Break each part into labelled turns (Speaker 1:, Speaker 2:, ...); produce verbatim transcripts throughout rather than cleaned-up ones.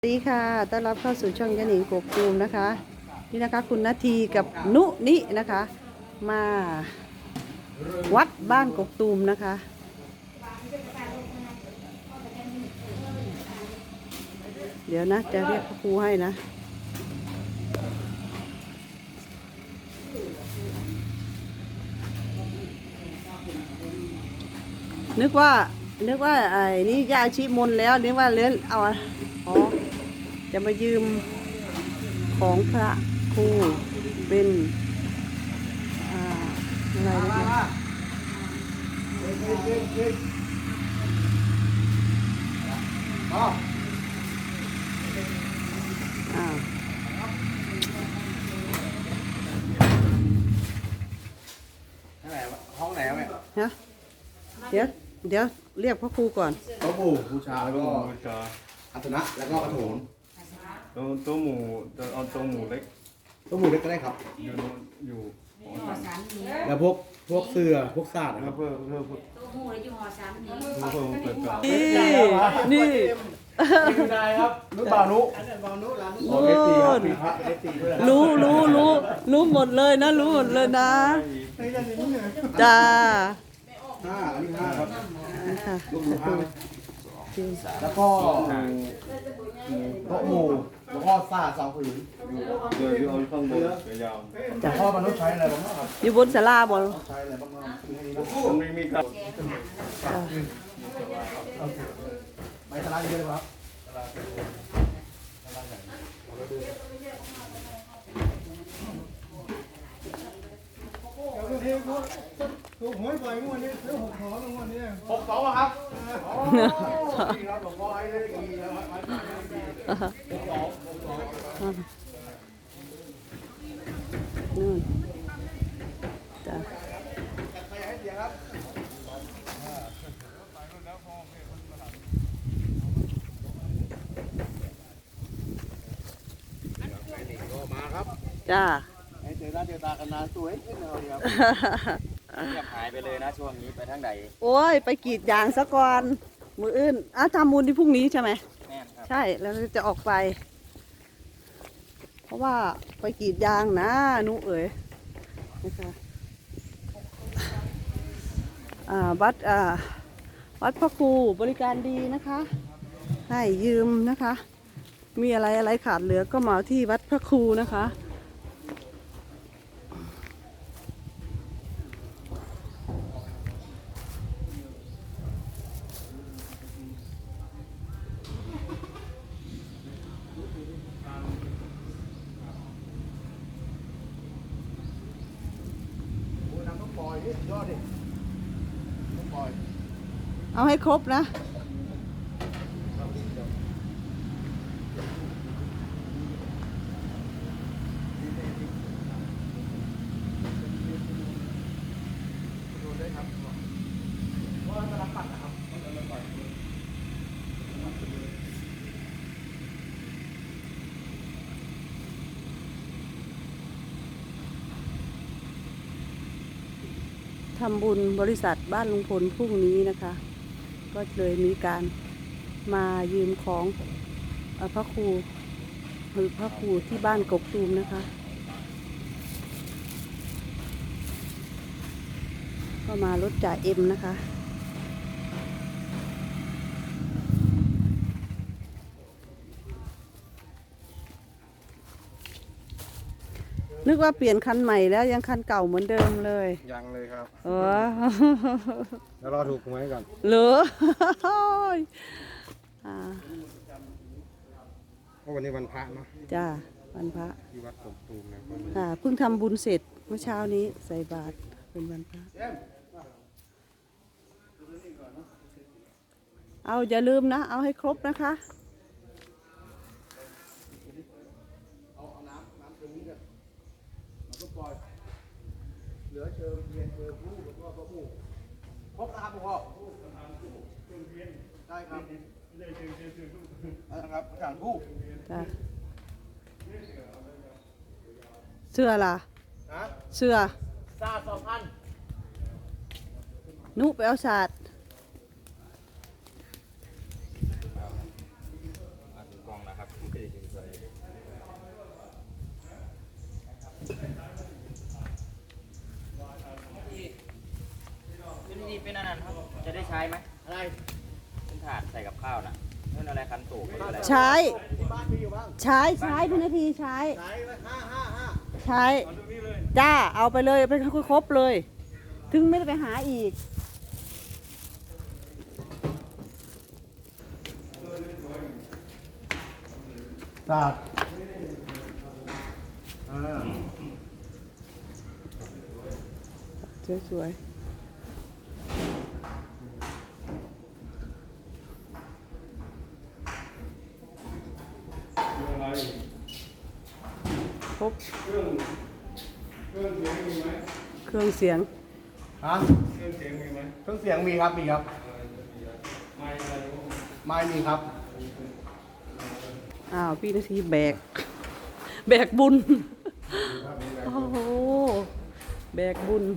Speaker 1: สวัสดีค่ะต้อนรับเข้าสู่ช่องยะหนิงกกตูมนะคะนี่นะคะคุณนาทีกับนุนินะคะ มาวัดบ้านกกตูมนะคะ เดี๋ยวนะจะเรียกพระครูให้นะนึกว่านึกว่าไอ้นี่ยาชีมนแล้วนึกว่าเลื้อนเอาอ๋อจะมายืมของพระครูเป็นอ่าอะไรนะคะอ้าว
Speaker 2: ห้องไหนครับแม่
Speaker 1: ฮะเดี๋ยวเดี๋ยวเรียกพระครูก่อน
Speaker 2: โต๊ะปู่บูชาแล้วก็
Speaker 3: บูชา
Speaker 2: อัตนะแล้วก็กระโถน
Speaker 3: ตัวตัวหมูตัวเอาตัวหมูเล็ก
Speaker 2: โต๊ะปู่เล็กก็ได้ครับ
Speaker 3: อยู่นู้นอยู่หอสาม
Speaker 2: แล้วพวกพวกเสื้อพวกศาสตร์นะค
Speaker 3: แล้
Speaker 2: รั
Speaker 3: ว
Speaker 2: บ
Speaker 3: เพื่อเพื่อเพื่อ
Speaker 4: ตู้หูแล้วอยู่หอสามนี้
Speaker 3: เพื่อเพื่อเปิดก่อน
Speaker 1: นี่นี่
Speaker 2: ไม่ได้ครับนุบานุบานุร้านนุโอเคตีครับมีพระเอฟซีด้วย
Speaker 1: รู้รู้รู้รู้หมดเลยนะรู้หมดเลยนะจ้า
Speaker 2: ห้าอันนี้ห้าครับ
Speaker 1: ค่ะ
Speaker 2: ลูกหมูห้าแล้วก็โต๊ะหมู่แล้วก็ซ่าสองผืน
Speaker 3: เดี๋ยวอยู่เอาข้างบนยาว
Speaker 2: แต่พ่อมนุษย์ใช้อะไรบ้างครับ
Speaker 1: อยู่บนศาลาบอล
Speaker 2: ใช้อะไรบ้างครับคือให้นี้
Speaker 3: มันไม่มีครับ
Speaker 2: ไม้ตะไลเยอะเลยครับ
Speaker 5: ถูกหวยบ่อยงวดนี้ซื้อหกหอลงวดนี้
Speaker 2: หกสองครับอ๋อดีครับหลวงพ่อให้เลขดีแล้วครับหกสองหกสอง
Speaker 1: นู่นจ้าจ้า
Speaker 2: ให้เจอหน้าเจอตากันนานสวยขึ้นเลยครับ
Speaker 6: เงียบหายไปเลยนะช่วงนี้ไปทางไหน
Speaker 1: โอ้ยไปกรีดยางซะก่อนมืออื่นอ่ะทำบุญที่พรุ่งนี้ใช่ไหม
Speaker 6: แม่นครับ
Speaker 1: ใช่แล้วจะออกไป เพราะว่าไปกรีดยางนะนุเอ๋ยนะคะอ่าวัดอ่าวัดพระครูบริการดีนะคะ ให้ยืมนะคะ มีอะไรอะไรขาดเหลือก็มาที่วัดพระครูนะคะเอาให้ครบนะทำบุญบริษัทบ้านลุงพลพรุ่งนี้นะคะ ก็เลยมีการมายืมของเอ่อพระครูหรือพระครูที่บ้านกกตูมนะคะ ก็มารถจ่าเอ็มนะคะ นึกว่าเปลี่ยนคันใหม่แล้วยังคันเก่าเหมือนเดิมเลย
Speaker 2: ยังเลยครับ
Speaker 1: เออ
Speaker 2: แล้วรอถูกหวยก่อน
Speaker 1: เหรออ่า
Speaker 2: เพราะวันนี้วันพระเนาะ
Speaker 1: จ้าวันพระ
Speaker 2: ที่วัดกบตูมนะ
Speaker 1: ค่ะเพิ่งทำบุญเสร็จเมื่อเช้านี้ใส่บาตรเป็นวันพระเอาอย่าลืมนะ เอาให้ครบนะคะ
Speaker 2: เหลือเชิญเทียนเชิญผู้แล้วก็พระผู้ครบนะครับพ่อได้ครับนะครับอาจารย์ผู้
Speaker 1: จ้ะเสื้อล่ะ
Speaker 2: นะ
Speaker 1: เสื้อ
Speaker 2: ซาสองพัน
Speaker 1: นุไปเอาศาสตร์
Speaker 6: มาถึงกล้องแล้วครับเป็นนี่เป็นอันนั้นครับจะได้ใช้ไหม
Speaker 2: อะไร
Speaker 6: เป็นถาดใส่กับข้าวนะนั่นอะไรคันโตกหรืออะไร
Speaker 1: ใช้
Speaker 2: ที่บ้านมีอยู่บ้าง
Speaker 1: ใช้ใช้พี่นาทีใช้
Speaker 2: ไหนห้าห้าห้า
Speaker 1: ใช้จ้าเอาไปเลยไปครบเลย ถึงไม่ได้ไปหาอีก
Speaker 2: ตาดอ่า
Speaker 1: สวยๆครบเครื่องเสียง
Speaker 2: ฮะเครื่องเสียงมีไหมเครื่องเสียงมีครับมีครับไม่มีครับ
Speaker 1: อ้าวพี่นาทีแบก แบกบุญ โอ้โห แบกบุญ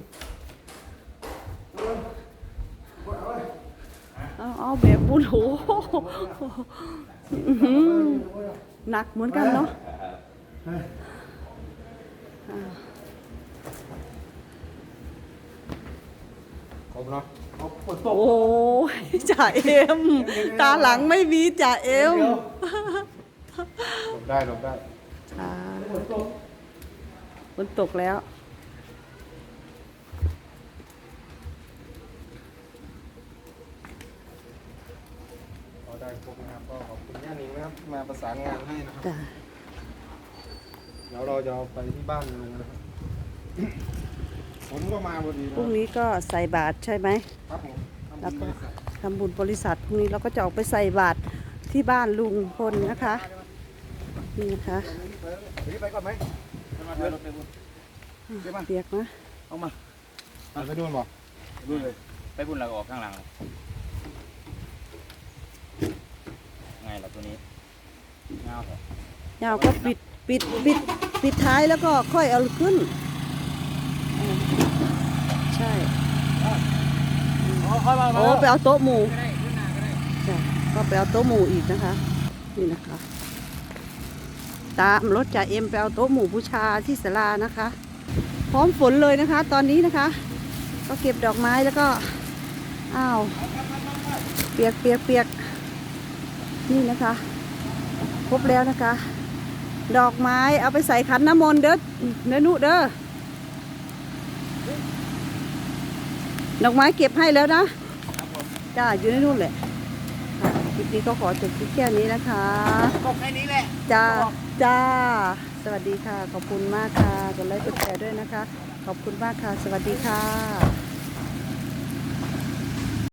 Speaker 1: เอาเอาแบกบุญโหอื้อหือหนักเหมือนกันเนาะอ่า
Speaker 2: ครบเนาะครบฝนตก
Speaker 1: โอ้ยจ่าเอ็ม ตาหลังไม่มีจ่าเอ็ม
Speaker 2: หลบได้หลบได้
Speaker 1: อ่าฝนตกแล้ว
Speaker 2: พอได้ครบนะครับก็ขอบคุณย่านิงนะครับที่มาประสานงานให้นะครับ
Speaker 1: จ้ะ
Speaker 2: เดี๋ยวเราจะเอาไปที่บ้านลุงนะครับผมก็มาพอดี
Speaker 1: พรุ่งนี้ก็ใส่บาตรใช่ไหม
Speaker 2: ครับผม
Speaker 1: แล้วก็ทำบุญบริษัทพรุ่งนี้เราก็จะออกไปใส่บาตรที่บ้านลุงพลนะคะ นี่นะคะ
Speaker 2: นี่ไปก่อนไหม
Speaker 6: มาเถอะรถไปบุญ
Speaker 1: เปียกนะ
Speaker 2: เอามาไปดูบ่
Speaker 6: บุญเลยไปบุญแล้วก็ออกข้างหลังเลยไงล่ะตัวนี้เงาเถอะ
Speaker 1: ยาวก็ปิดปิดปิดปิดท้ายแล้วก็ค่อยเอาขึ้นเออใช่โอ้ไปเอาโต๊ะหมู่จ้ะก็ไปเอาโต๊ะหมู่อีกนะคะ นี่นะคะ ตามรถจ่าเอ็มไปเอาโต๊ะหมู่บูชาที่ศาลานะคะ พร้อมฝนเลยนะคะ ตอนนี้นะคะ ก็เก็บดอกไม้แล้วก็อ้าวเปียกเปียกเปียกนี่นะคะ ครบแล้วนะคะ ดอกไม้เอาไปใส่ขันน้ำมนต์เด้อเนื้อนุเด้อดอกไม้เก็บให้แล้วนะจ้าอยู่ในนู่นแหละค่ะคลิปนี้ก็ขอจบคลิปแค่นี้นะคะ
Speaker 2: ตกแค่นี้แหละ
Speaker 1: จ้าจ้าสวัสดีค่ะ ขอบคุณมากค่ะกดไลค์กดแชร์ด้วยนะคะ ขอบคุณมากค่ะ สวัสดีค่ะ